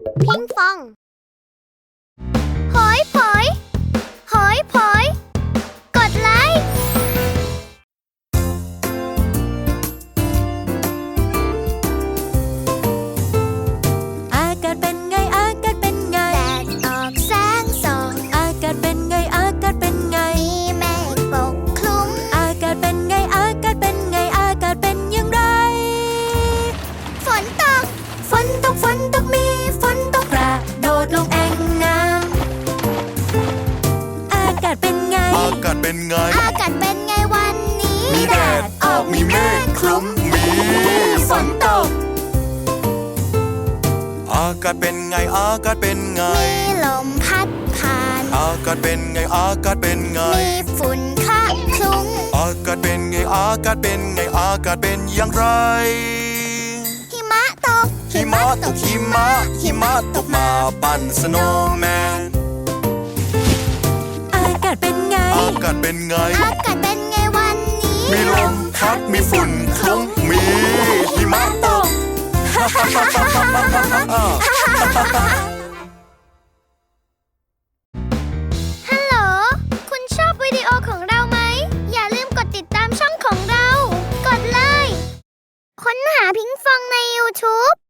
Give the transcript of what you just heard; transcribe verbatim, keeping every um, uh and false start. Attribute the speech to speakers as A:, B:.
A: พิงฟองหอยผอยหอยผอยกดไลค์
B: อากาศเป็นไงอากาศเป็นไง
A: แดดออกแสงส่อง
B: อากาศเป็นไงอากาศเป็นไง
A: มีเมฆปกคลุม
B: อากาศเป็นไงอากาศเป็นไงอากาศเป็นอย่างไร
A: ฝนตก
B: ฝนตกฝนตกมีฝนตกกระโดดลงแอ่งน้ำอากาศเป็นไง
C: อากาศเป็นไง
A: อากาศเป็นไงวันนี้
C: มีแดดออกมีเมฆคลุมมีฝนตกอากาศเป็นไงอากาศเป็นไง
A: มีลมพัดผ่าน
C: อากาศเป็นไงอากาศเป็นไง
A: มีฝุ่นคะคลุ้ง
C: อากาศเป็นไงอากาศเป็นไงอากาศเป็นอย่างไร
A: หิมะตก
C: หิมะตกหิมะหิมะตกมาปั่นสโนว์แมน
B: อากาศเป็นไง
C: อากาศเป็นไง
A: อากาศเป็นไงวันนี้
C: มีลมพัดมีฝุ่นคลุ้งมีหิมะตก
A: ฮัลโหลคุณชอบวิดีโอของเราไหมอย่าลืมกดติดตามช่องของเรากดเลยค้นหาพิงฟองใน ยูทูบ